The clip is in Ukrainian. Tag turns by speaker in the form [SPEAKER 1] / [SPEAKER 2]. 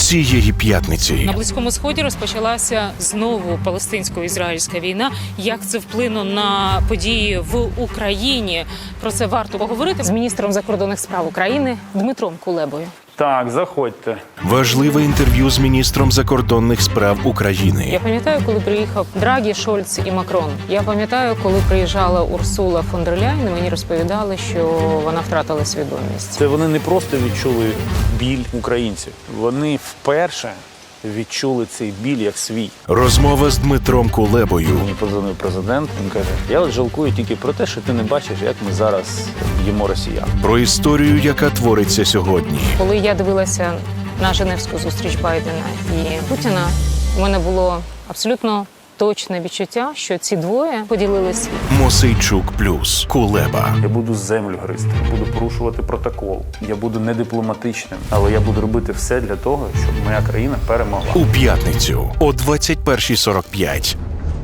[SPEAKER 1] цієї п'ятниці.
[SPEAKER 2] На Близькому Сході розпочалася знову палестинсько-ізраїльська війна. Як це вплинуло на події в Україні? Про це варто поговорити з міністром закордонних справ України Дмитром Кулебою.
[SPEAKER 3] Так, заходьте.
[SPEAKER 1] Важливе інтерв'ю з міністром закордонних справ
[SPEAKER 2] Я
[SPEAKER 1] України.
[SPEAKER 2] пам'ятаю, коли приїхав Драгі, Шольц і Макрон. Я пам'ятаю, коли приїжджала Урсула фон дер Ляйн, і мені розповідали, що вона втратила свідомість.
[SPEAKER 3] Це вони не просто відчули біль українців. Вони вперше відчули цей біль як свій.
[SPEAKER 1] Розмова з Дмитром Кулебою.
[SPEAKER 3] Мені подзвонив президент, він каже, я от жалкую тільки про те, що ти не бачиш, як ми зараз б'ємо росіян.
[SPEAKER 1] Про історію, яка твориться сьогодні.
[SPEAKER 2] Коли я дивилася на Женевську зустріч Байдена і Путіна, у мене було абсолютно точне відчуття, що ці двоє поділили світ.
[SPEAKER 1] Мосейчук плюс Кулеба.
[SPEAKER 3] Я буду землю гризти, буду порушувати протокол, я буду недипломатичним, але я буду робити все для того, щоб моя країна перемогла.
[SPEAKER 1] У п'ятницю о 21:45.